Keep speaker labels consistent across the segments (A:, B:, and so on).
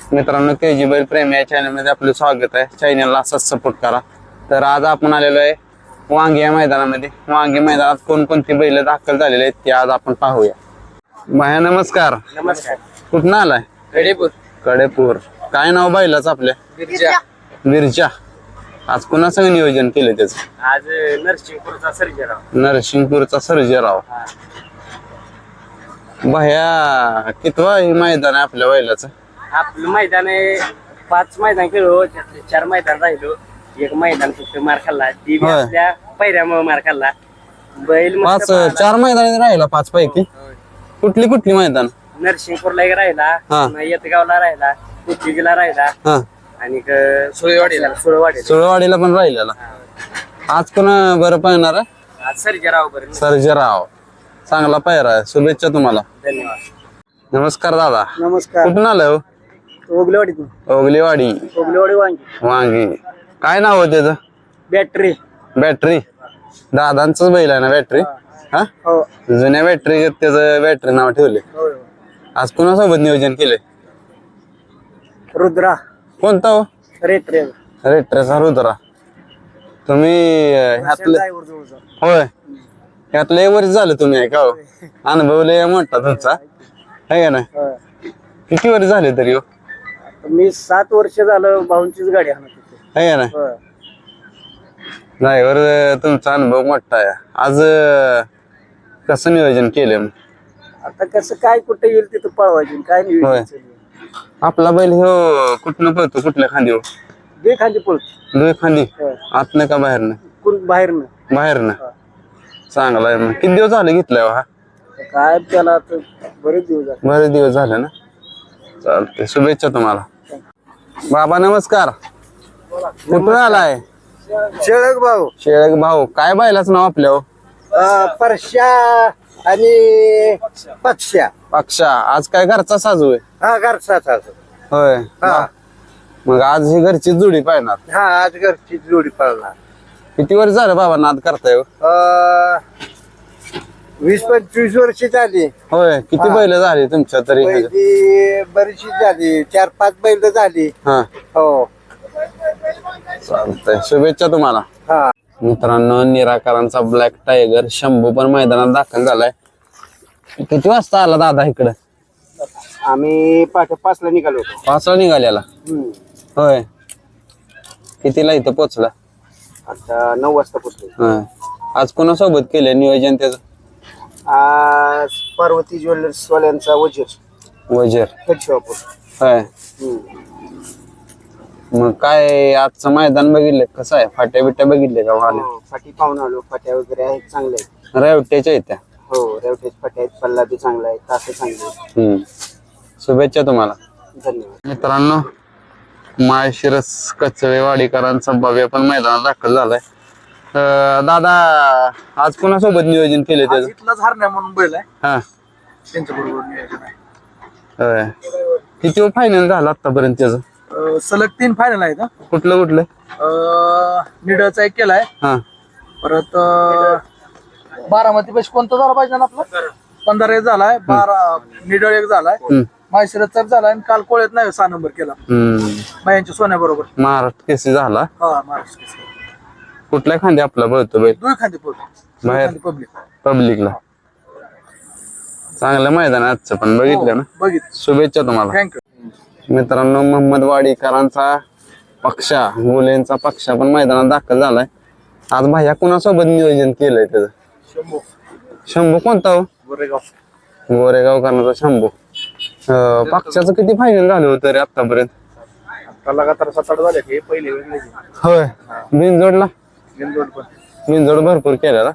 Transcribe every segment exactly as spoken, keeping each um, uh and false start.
A: मित्रांनो के जी बैल प्रेमी या चॅनलमध्ये आपलं स्वागत आहे. चॅनलला असाच सपोर्ट करा. तर आज आपण आलेलो आहे वांगी या मैदानामध्ये. वांगी मैदानात कोणकोणती बैल दाखल झालेले आहेत ते आज आपण पाहूया. भाया नमस्कार.
B: नमस्कार.
A: कुठून आलाय?
B: कडेपूर.
A: कडेपूर. काय नाव बैलाच आपल्या?
B: बिरजा.
A: बिरजा. आज कुणाचं नियोजन केलं त्याचं?
B: आज नरसिंगपूरचा सर्जेराव.
A: नरसिंगपूरचा सर्जेराव. भाया कितवा हे मैदान आहे आपल्या बैलाचं?
B: आपलं मैदान आहे पाच मैदान खेळलो, त्यातले चार मैदान राहिलो. एक मैदान फक्त मार खाल्ला, ती बी
A: होय.
B: आपल्या पहिऱ्यामुळे मार खाल्ला. बैल मस्त
A: पाच
B: पळाला.
A: चार मैदान राहिला पाच पैकी. कुठली कुठली मैदान?
B: नरसिंगपूरला एक राहिला,
A: हा.
B: पुन्हा येतगावला राहिला, कुर्तीला राहिला
A: हा
B: आणि क- सुळेवाडीला सुळेवाडीला.
A: सुळवाडीला पण राहिलेला. आज कोण बरं पाहणार आहे?
B: आज सर्जेराव बरं.
A: सर्जेराव. चांगला पायरा आहे. शुभेच्छा तुम्हाला.
B: धन्यवाद.
A: नमस्कार दादा.
B: नमस्कार.
A: कुठून आलाय हो?
B: ओगलेवाडीतून.
A: ओगलेवाडी.
B: ओगलेवाडी वांगी.
A: वांगी. काय नाव आहे त्याचं?
B: बॅटरी.
A: बॅटरी. दादांच बैल आहे ना बॅटरी? हा
B: हो.
A: जुन्या बॅटरी त्याचं बॅटरी नाव ठेवले. आज कोणासोबत नियोजन केले?
B: रुद्रा.
A: कोणता हो?
B: Rate rate.
A: रेट्रेचा रुद्रा. तुम्ही अं, ह्यातले होय ह्यातलं एक वर्ष झालं तुम्ही आहे का हो? अनुभव लय मोठा तुमचा आहे का ना? किती वर्ष झाले तरी हो?
B: मी सात वर्ष झालं भाऊंचीच गाडी आणत होते.
A: आहे का ना? ड्रायव्हर तुमचा अनुभव मोठा आहे. आज अं, कसं नियोजन केलं मग?
B: आता कसं काय कुठे येईल तिथं पळवायची काय
A: होय.
B: नाही.
A: आपला बैल हो कुठनं पळतो? कुठल्या खांदी हो?
B: दे खाली पळतो.
A: दोन खांदी. आतनं का बाहेरनं?
B: कोण बाहेर ना
A: बाहेरनं. चांगला आहे. मग किती दिवस झाले घेतलाय हो हा?
B: काय त्याला आता बरेच दिवस झाले.
A: बरेच दिवस झाले ना. चालते. शुभेच्छा तुम्हाला. बाबा नमस्कार. कुठून आलाय?
B: शेळक भाऊ.
A: शेळक भाऊ. काय बैलाच नाव आपल्या हो?
B: परश्या आणि पक्षा.
A: पक्षा. आज काय घरचा साजू आहे?
B: हा घरचा.
A: होय.
B: हा
A: मग आज ही घरची जोडी पाहणार.
B: हा आज घरची जोडी पळणार.
A: किती वर्ष झालं बाबा नाद करताय हो?
B: वीस पंचवीस वर्ष झाली.
A: होय. किती बैल झाली तुमच्या तरी?
B: पहिली बरीचशी झाली, चार पाच बैल झाली.
A: हा
B: हो.
A: चालतंय. शुभेच्छा तुम्हाला.
B: हा
A: मित्रांनो निराकारांचा ब्लॅक टायगर शंभू पण मैदानात दाखल झालाय. किती वाजता आला दादा इकडे?
B: आम्ही पाठ पाचला निघालो होतो.
A: पाचला निघालेला. होय. कितीला इथं पोचला?
B: आता नऊ वाजता पोचलो.
A: होय. आज कोणासोबत केलंय नियोजन त्याचं?
B: आज पार्वती ज्वेलर्स वाल्यांचा वजीर
A: वजीर.
B: शॉपूर.
A: होय. मग काय आजचं मैदान बघितलं कसं आहे? फाट्या बिट्या बघितले का? वाले
B: फाटी पाहून आलो. फाट्या वगैरे आहेत चांगल्या आहेत.
A: रेवट्याच्या येत्या.
B: हो रेवटेज फाट्या आहेत. पल्ला बी चांगला आहे. तास चांगले आहेत.
A: हम्म. शुभेच्छा तुम्हाला.
B: धन्यवाद.
A: मित्रांनो माळशिरस कचवेवाडीकरांचा भव्य पण मैदानात दाखल झालाय. अं, दादा आज कोणासोबत नियोजन केले त्याचं?
B: इथलाच हरण्या म्हणून बैल आहे.
A: हा
B: त्यांच्या बरोबर नियोजन आहे.
A: होय. किती फायनल झालं आतापर्यंत त्याचं?
B: अं, सलग तीन फायनल आहेत. हा.
A: कुठलं कुठलं?
B: अं, निडळचा एक केलाय.
A: हा
B: परत अं, बारामती पैसे कोणता झाला पाहिजे ना आपला? पंधरा एक झालाय. बारा निडळ एक झालाय.
A: हम्म.
B: माहेशिरसचा एक झालाय आणि काल कोळ्यात नाही सहा नंबर केला
A: हम्म.
B: बायांच्या सोन्या बरोबर.
A: महाराष्ट्र केसी झाला.
B: हा महाराष्ट्र
A: कुठल्या खांदी आपला बळतो बैल?
B: दोन खांदे पडतो
A: बाहेर
B: पब्लिक.
A: पब्लिकला. चांगलं मैदान आहे आजचं पण बघितलं ना.
B: बघितलं.
A: शुभेच्छा तुम्हाला.
B: थँक्यू.
A: मित्रांनो मोहम्मद वाडीकरांचा पक्षा गोलेंचा पक्षा पण मैदानात दाखल झालाय. आज भाया कुणासोबत नियोजन केलंय त्याचं?
B: शंभू.
A: शंभू कोणता हो?
B: गोरेगाव.
A: गोरेगावकरांचा शंभू. अं, पक्षाचं किती फायनल झालं होतं रे आतापर्यंत?
B: आता लगातार सात आठ झाले. हे पहिले वेगळे.
A: होय. बिनजोडला
B: बिनजोड पण.
A: बिनजोड भरपूर केलेला.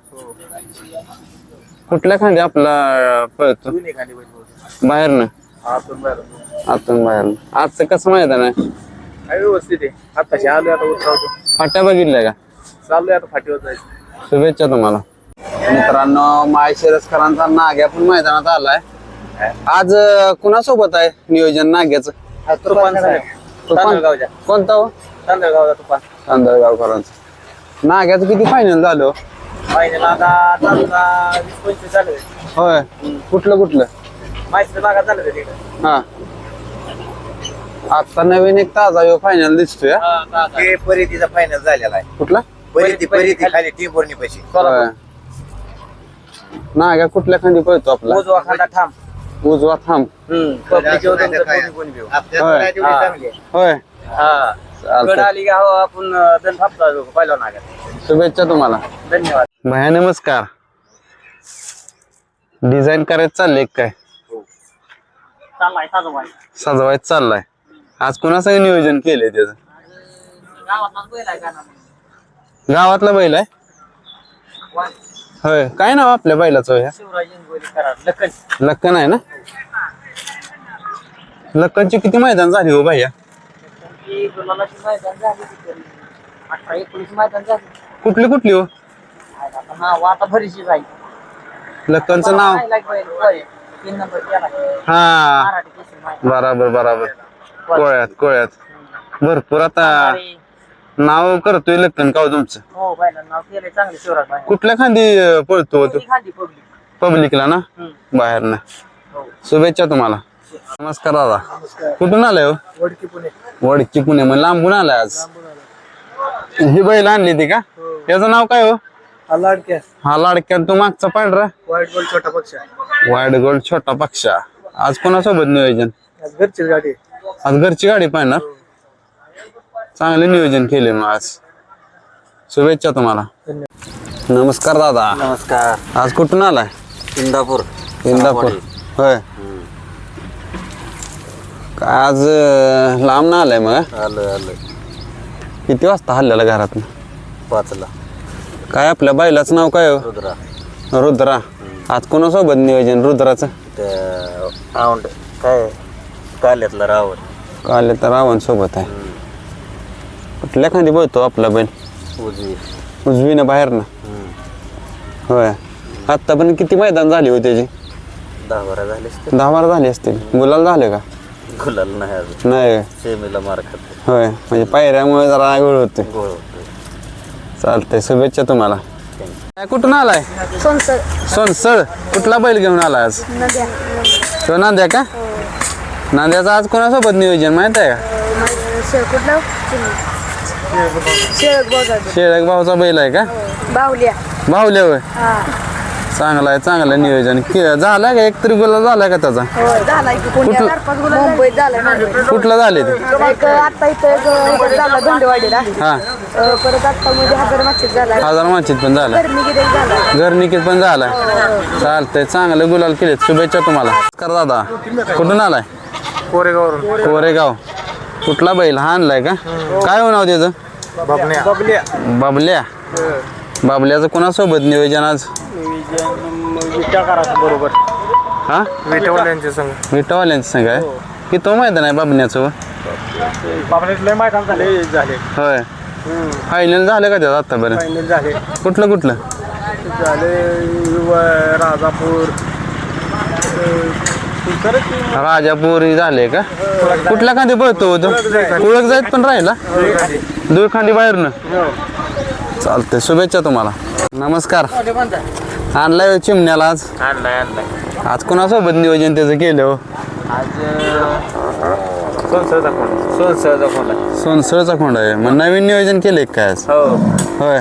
A: कुठल्या खांदी आपला पळतो?
B: दोन्ही खाली बैल.
A: बाहेरनं
B: आतून बाहेर.
A: आतून बाहेरनं. आजचं कसं मैदान आहे?
B: काय व्यवस्थित आहे. आताशी आलोय आता उतरावतो.
A: फाट्या बघितल्या का?
B: चाललोय आता फाटीवर जायचं.
A: शुभेच्छा तुम्हाला. मित्रांनो माळशिरसकरांचा नाग्या पण मैदानात आलाय. आज अं, कुणासोबत आहे नियोजन नाग्याचं?
B: तुफान तांदळगावच्या.
A: कोणता हो?
B: तांदळगावचा तुफान.
A: तांदळगावकरांचा. नाग्याचं किती फायनल झालं?
B: फायनल आता तालुका वीस पंचवीस झाले.
A: होय. कुठलं कुठलं?
B: माहिती भागात झालं तिकडे.
A: हा आता नवीन एक ताजा यो फायनल दिसतोय हा?
C: ते परिधीचा फायनल झालेला आहे.
A: कुठला
C: परिधी परिधी खाली टिंबोर्णी पैसे
A: होय. नाग्या कुठल्या खांदी पळतो आपला
B: उजवा खांदा ठाम
A: उजवा थांब
B: पब्लिक येऊ तुमचं कोणी कोणी घेऊ
A: होय. होय
B: हा
A: चालतंय.
B: गड आली का हो आपण दन थापता पहिला नागात.
A: शुभेच्छा तुम्हाला.
B: धन्यवाद.
A: भया नमस्कार. डिझाईन करायचं चाललंय काय
B: चाललाय साजोबाई
A: सजवायचं चाललाय. आज कोणाचं नियोजन केलंय त्याचं
B: गावातलाच बैल आहे का ना
A: गावातला बैल आहे होय. काय नाव आपल्या बैलाचं ह्या
B: शिवराज इंगोली कराड लखन
A: लक्कन आहे ना. लक्कनची किती मैदान झाली हो भैया
B: ती गुलालाची मैदान झाली तरी अठरा एकोणीस मैदान झाली.
A: कुठली कुठली हो
B: आता नाव आता भरीशी जाईल.
A: लक्कनचं नाव
B: तीन नंबर केला
A: हा
B: मराठी केसरी मैदान.
A: बराबर बराबर कोळ्यात कोळ्यात भरपूर आता नाव करतोय लक्कन का हो तुमचं.
B: हो बैलांना नाव केलंय चांगलं शिवराज भाई.
A: कुठल्या खांदी अं, पळतो तो
B: खाली पब्लिक
A: पब्लिकला ना बाहेर ना. शुभेच्छा तुम्हाला. नमस्कार दादा. कुठून आलाय हो
B: वडकी पुणे
A: वडकी पुणे मग लांबून आलाय आज. ही बैल आणली ती का त्याचं नाव काय हो
B: लाडक्या
A: हा लाडक्या तू मागचा पांढरा
B: वाईट गोल छोटा पक्ष
A: वाईट गोल्ड छोटा पक्षा. आज कोणासोबत नियोजन
B: घरचीच गाडी
A: आज घरची गाडी पाहणार. चांगले नियोजन केले मग आज. शुभेच्छा तुम्हाला. नमस्कार दादा.
C: नमस्कार.
A: आज कुठून आलाय
C: इंदापूर
A: इंदापूर होय. काय आज अं, लांब ना आलाय मग
C: आलं आलं
A: किती वाजता हल्ल्याला घरात
C: पाचला
A: काय आपल्या बैलाचं नाव काय हो
C: रुद्रा
A: रुद्रा. आज कोणासोबत नियोजन रुद्राचं
C: त्या औंड काय काल्यातला रावण
A: काल तर रावण सोबत आहे. कुठल्या खांदी बोलतो आपला बैल
C: उजवी
A: उजवीनं बाहेर ना होय. आत्ता पण किती मैदान झाली हो त्याची
C: दहा बारा झाले
A: दहा बारा झाली असतील. गुलाल झाले का
C: गुलाल नाही अजून
A: नाही
C: सेमीला मार खाते
A: होय म्हणजे पायऱ्यामुळे जरा आगळ होते.
C: गोळ होते.
A: चालतंय शुभेच्छा तुम्हाला. काय कुठून आलाय
D: सोनसर
A: सोनसळ. कुठला बैल घेऊन आला आज
D: नद्या
A: तो नांद्या का नांद्याचं आज कोणासोबत नियोजन माहित आहे का
D: शेळकुटला शेळक बघा
A: शेळक भाऊचा बैल आहे का
D: बाहुल्या
A: भाऊल्या होय.
D: हा
A: चांगला आहे चांगलं नियोजन कि- झालं का एक तरी गुलाल झालाय का त्याचा
D: हो झाला की पुण्यात चार पाच गुलाब मुंबईत झाला मुंबईत.
A: कुठला झाले ते
D: एक आता इथं एक इकडे झाला धोंडेवाडीला
A: हा
D: अं, परत आता मध्ये हजार मागच्यात झाला
A: हजार माचित पण झाला
D: गरमी गिरे झाला
A: घर निकित पण झालाय. चालतंय चांगलं गुलाल केले. शुभेच्छा तुम्हाला. नमस्कार दादा. कुठून आलाय
B: कोरेगावरून
A: कोरेगाव. कुठला बैल हा आणलाय का काय हो नाव त्याचं
B: बबल्या
A: बाबल्या. बाबल्याचं कोणासोबत नियोजन आज
B: विचार करायचं बरोबर
A: हा
B: विटेवाल्यांच्या संघ
A: विटावाल्यांचं सांग आहे की तो मैदान आहे बाबण्याचं
B: बाबण्यात लय मैदान झाले झाले
A: होय. फायनल झालं का त्याचं आतापर्यंत
B: फायनल झाले
A: कुठलं कुठलं
B: झाले राजापूर
A: राजापूर ही झाले का कुठल्या खांदी पळतो तो कुळक जायत पण राहिला दूर खांदी बाहेरनं. चालतंय शुभेच्छा तुम्हाला. नमस्कार. आणलाय चिमण्याला आज
B: आणलाय आणलाय
A: आज कोणासोबत नियोजन त्याचं केलं हो
B: आज सोनसळचा कोण सोनसळचा कोण
A: सोनसळचा खोंड आहे मग नवीन नियोजन केलंय का काय आज
B: हो
A: होय.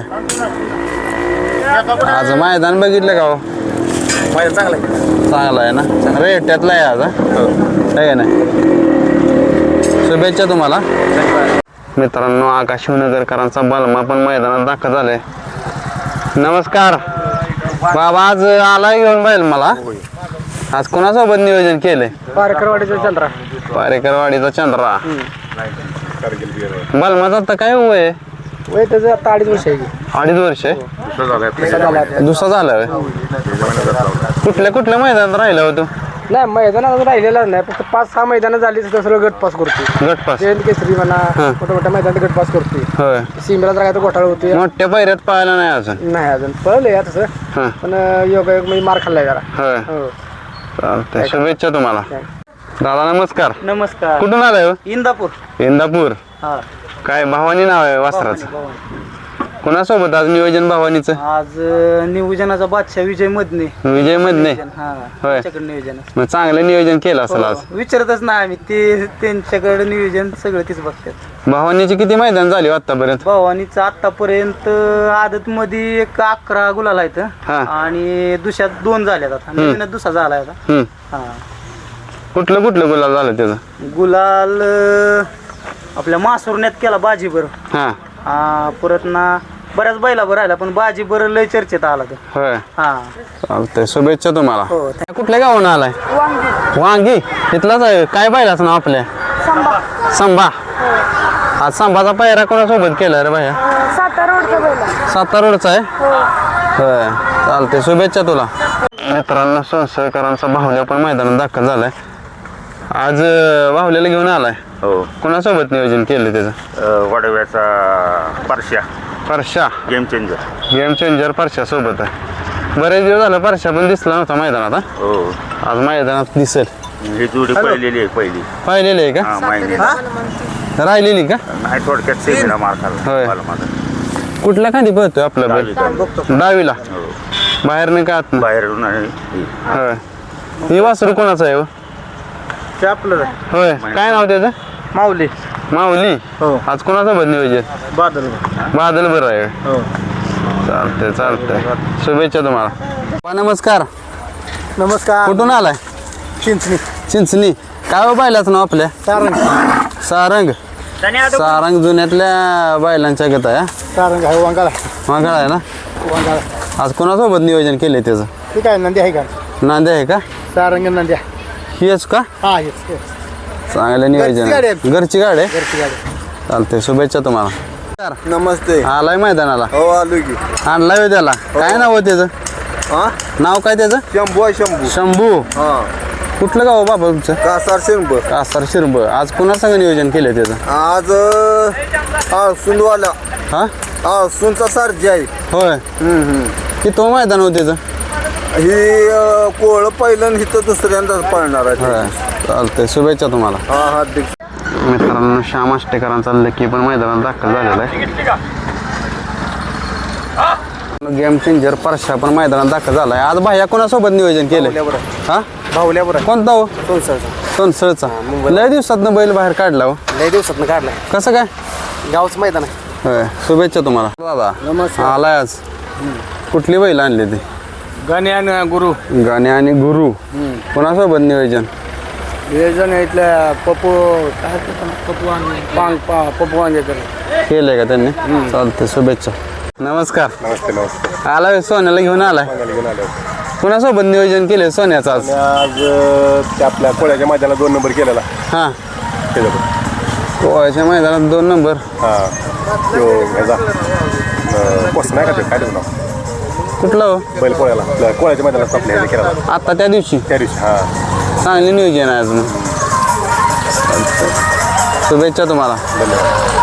A: आज मैदान बघितलं का हो
B: माझं चांगलं आहे.
A: चांगला आहे ना रेट्यातला आहे आज हा? आहे ना. शुभेच्छा तुम्हाला. मित्रांनो आकाश शिवनगरकरांचा बलमा पण मैदानात दाखल झालाय. नमस्कार बाबा. आज आलाय घेऊन बैल मला आज कोणासोबत नियोजन केलंय
B: पारकरवाडीचा चंद्रा
A: पारेकरवाडीचा चंद्रा. बलमाचा आता काय वय आहे?
B: वय त्याचं आता अडीच वर्ष आहे की.
A: अडीच वर्ष आहे.
B: झाला
A: दुसरा झाला होय. कुठल्या कुठल्या मैदानात राहिला होतो
B: नाही मैदान अजून राहिलेला नाही फक्त पाच सहा मैदान झाली तर सगळं गट पास करते.
A: गटपास
B: जयंत केसरी म्हणा
A: हा.
B: मोठ्या मोठ्या मैदानात गट पास करते.
A: होय.
B: सीमेला जर काय तर घोटाळा होते
A: मोठ्या पायऱ्यात पाहायला नाही अजून
B: नाही अजून पळले या तसं
A: हा
B: पण योगायोग म्हणजे मार खाल्लाय जरा.
A: होय.
B: हो
A: चालतंय शुभेच्छा तुम्हाला. दादा नमस्कार.
B: नमस्कार.
A: कुठून आलाय हो
B: इंदापूर
A: इंदापूर.
B: हा
A: काय भावानी नाव आहे वासराचं कोणासोबत आज नियोजन भावानीचं
B: आज अं, नियोजनाचा बादशाह विजय मधने
A: विजय मधने
B: हा
A: होय.
B: त्यांच्याकडे नियोजन आहे.
A: मग चांगलं नियोजन केलं असेल आज
B: हो, विचारतच नाही आम्ही ते त्यांच्याकडे नियोजन सगळं तीच बघतात.
A: भावानीची किती मैदान झाली आतापर्यंत
B: भवानीचं आतापर्यंत आदत मध्ये एक अकरा गुलाल आहेत
A: हा.
B: आणि दुसऱ्यात दोन झाल्यात आता नवीनच दुसरा झाला आता.
A: हम्म.
B: हा
A: कुठलं कुठलं गुलाल झालं त्याचं
B: गुलाल अं, आपल्या मासुरण्यात केला बाजीबर.
A: हा
B: हा परत ना बऱ्याच बैलावर राहिला पण बाजीबर लय चर्चेत आला तो.
A: होय
B: हा
A: चालतंय शुभेच्छा तुम्हाला
B: हो
A: कुठल्या गावून आलाय
D: वांगी
A: वांगी इथलाच आहे काय पाहिलाच ना आपल्या
D: संभा
A: संभा आज संभाचा पायरा कोणासोबत केला रे भाया
D: सातारा रोडचा बैला
A: सातारा रोडचा आहे
D: हो
A: होय चालते शुभेच्छा तुला मित्रांनो संसळकरांचा बाहुल्या पण मैदानात दाखल झालाय आज अं, बाहुल्याला घेऊन आलाय
E: हो
A: कोणासोबत नियोजन केलं त्याचं
E: अ, वडव्याचा Parshya
A: Parsha
E: game changer
A: game changer Parsha सोबत आहे बरेच दिवस झालं परशा पण दिसला नव्हता मैदानात हा?
E: हो
A: आज मैदानात दिसेल
E: ही जोडी पहिलेली आहे पहिली
A: पाहिलेली आहे का
E: हा माहिती
A: राहिलेली का
E: नाही थोडक्यात सेमीला मार खाल्ला
A: होय.
E: मला माझा
A: कुठल्या खाली पळतोय आपला बैल डावीला
E: हो
A: बाहेर नाही का आत
E: बाहेरून आणि ही.
A: होय ही वासरू कोणाचं आहे हो?
B: ते आपलं
A: होय काय नाव त्याचं
B: माऊली
A: माऊली
B: हो
A: आज कोणासोबत नियोजन
B: बादल
A: बादल बरं आहे
B: हो
A: चालतंय चालतंय शुभेच्छा तुम्हाला पा, नमस्कार
B: नमस्कार
A: कुठून आलाय
B: चिंचणी
A: चिंचणी काय हो बैलाचं नाव आपल्या
B: सारंग
A: सारंग सारंग जुन्यातल्या बैलांच्या गत आहे हा?
B: सारंग आहे वांगाला
A: मागाळ आहे ना
B: वांगाला
A: आज कोणासोबत नियोजन केलंय त्याचं
B: ठीक आहे नंदी आहे का
A: नांदे आहे का
B: सारंग नंद्या
A: हेच का
B: हा हेच
A: चांगलं नियोजन
B: गाडी
A: आहे.
B: आहे.
A: घरची गाडी आहे
B: घरची गाडी
A: चालते शुभेच्छा तुम्हाला
F: नमस्ते
A: आलाय मैदानाला
F: हो आलो की
A: आणलाय हो त्याला काय नाव आहे त्याचं
F: हा
A: नाव काय त्याचं
F: शंभू आहे शंभू
A: शंभू
F: हा
A: कुठलं गाव बाबा तुमचं
F: कासार शेंब
A: कासार शिरब आज कुणा संग नियोजन केलंय त्याचं
F: आज हा सुंदवाला
A: हा
F: हा सुनचा सारजी आहे
A: होय
F: हम्म, हम्म.
A: की तो मैदान हो त्याचं
F: ही अं, कोळ पहिलं आणि इथं दुसऱ्यांदाच पळणार आहे
A: होय चालतंय शुभेच्छा तुम्हाला
F: हा हा दिक
A: मित्रांनो श्याम आष्टेकरांचा लकी पण मैदानात दाखल झालेला आहे गेम चेंजर परशा पण मैदानात दाखल झालाय आज भाया कोणासोबत नियोजन केलंय हा
B: भाऊल्यावर
A: कोणता हो
B: सोनसरचा
A: सोनसळचा लय दिवसातनं बैल बाहेर काढला हो
B: लय दिवसात काढलाय
A: कसं काय
B: गावचं मैदान आहे
A: होय शुभेच्छा तुम्हाला दादा
B: नमस्कार.
A: आलाय आज कुठली बैल आणली ती
B: गणे आणि गुरु
A: गाणे आणि गुरु कोणासोबत नियोजन
B: नियोजन इथल्या पप्पू काय पप्पू आणि पांग पप्पू वांगेकर
A: केलंय का त्यांनी चालतंय शुभेच्छा नमस्कार
F: नमस्ते नमस्ते
A: आलाय सोन्याला घेऊन आलाय कोणासोबत नियोजन केलंय सोन्याचं आज
F: आज ते आपल्या कोळ्याच्या मैदानाला दोन नंबर केलेला
A: हा
F: त्याच्याकडे
A: पोहायच्या मैदानात दोन नंबर
F: हा तो ह्याचा अं, पोस्ट नाही का ते काय त्याचं नाव
A: कुठलं हो
F: बैल कोळ्याला आपल्या कोळ्याच्या मैदानात आपल्या ह्याला केला
A: आता त्या दिवशी
F: त्या दिवशी हा
A: चांगली नियोजन आहे आज मग शुभेच्छा तुम्हाला
F: धन्यवाद